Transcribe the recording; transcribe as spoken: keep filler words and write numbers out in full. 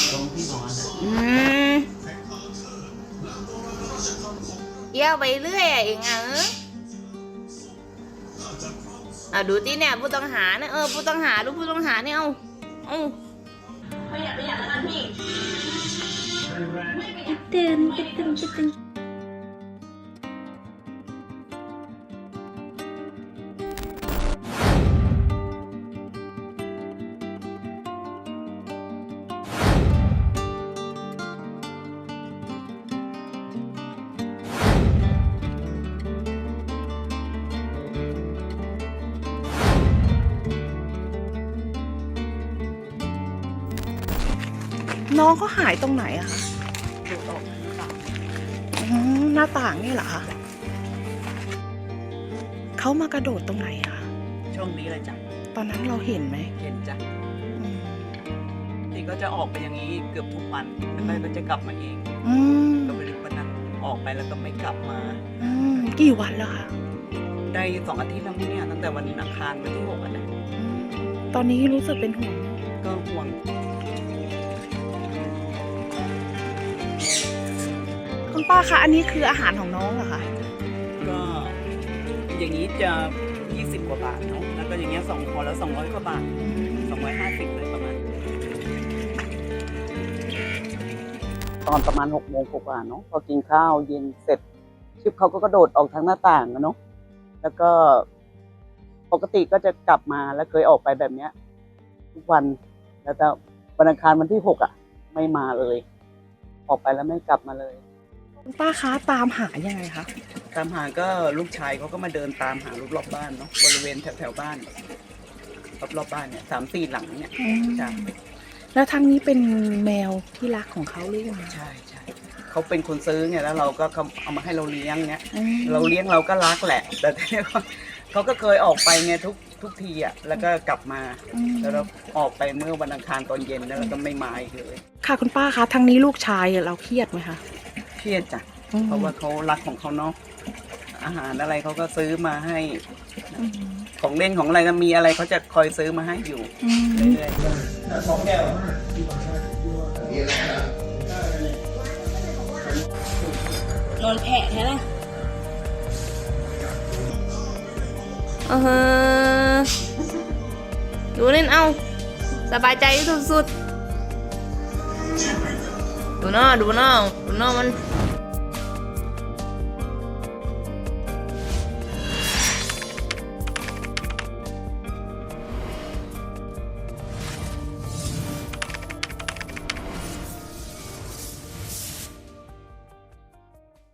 ตรงที่นอนอ่ะอืมเยี่ยวไปเรื่อยอะเองอ่ะเอออ่ะดูที่เนี่ยผู้ต้องหาเนี่ยเออผู้ต้องหาดูผู้ต้องหาเนี่ยเอาเอาประหยัดประหยัดแล้วกันพี่ตื่นตื่นตื่นตื่นน้องเขาหายตรงไหนอะคะดูออกหน้าต่างอ๋อหน้าต่างนี่เหรอคะเขามากระโดดตรงไหนอะคะช่วงนี้เลยจ้ะตอนนั้นเราเห็นไหมเห็นจ้ะอืมที่ก็จะออกไปอย่างนี้เกือบทุกวันแล้วก็ก็จะกลับมาเองอืมก็ไม่รู้วันนั้นออกไปแล้วก็ไม่กลับมาอืมกี่วันแล้วคะได้สองอาทิตย์แล้วมั้งเนี่ยตั้งแต่วันอังคารวันที่หกอ่ะนะอืมตอนนี้รู้สึกเป็นห่วงก็ห่วงคุณป้าคะอันนี้คืออาหารของน้องเหรอคะก็อย่างนี้จะยี่สิบกว่าบาทเนาะแล้วก็อย่างเงี้ยสองพอแล้วสองร้อยกว่าบาทสองร้อยห้าสิบเลยประมาณตอนประมาณหกโมงกว่าเนาะพอกินข้าวเย็นเสร็จชิปเขาก็กระโดดออกทางหน้าต่างอะเนาะแล้วก็ปกติก็จะกลับมาแล้วเคยออกไปแบบเนี้ยทุกวันแล้วแต่วันอังคารวันที่หกอ่ะไม่มาเลย ออกไปแล้วไม่กลับมาเลยคุณป้าคะตามหายังไงคะตามหาก็ลูกชายเขาก็มาเดินตามหารอบรอบบ้านเนาะบริเวณแถวแถวบ้านรอบรอบบ้านเนี่ยสามสี่หลังเนี่ยอืมจ้ะแล้วทั้งนี้เป็นแมวที่รักของเขาหรือยังไงใช่ใช่เขาเป็นคนซื้อไงแล้วเราก็เขาเอามาให้เราเลี้ยงเงี้ยอืมเราเลี้ยงเราก็รักแหละ แต่ทีนี้เขาเขาก็เคยออกไปไงทุกทุกทีอ่ะแล้วก็กลับมาอืมแล้วเราออกไปเมื่อวันอังคารตอนเย็นแล้วเราก็ไม่มาอีกเลยค่ะคุณป้าคะทั้งนี้ลูกชายเราเครียดไหมคะเครียดจ้ะอืมเพราะว่าเขารักของเขาเนาะอาหารอะไรเขาก็ซื้อมาให้อืมของเล่นของอะไรก็มีอะไรเขาจะคอยซื้อมาให้อยู่อืมเรื่อยๆสองแก้วนอนแผลแท้ละเออดูเล่นเอาสบายใจสุดๆดูหน้าดูหน้าดูหน้ามัน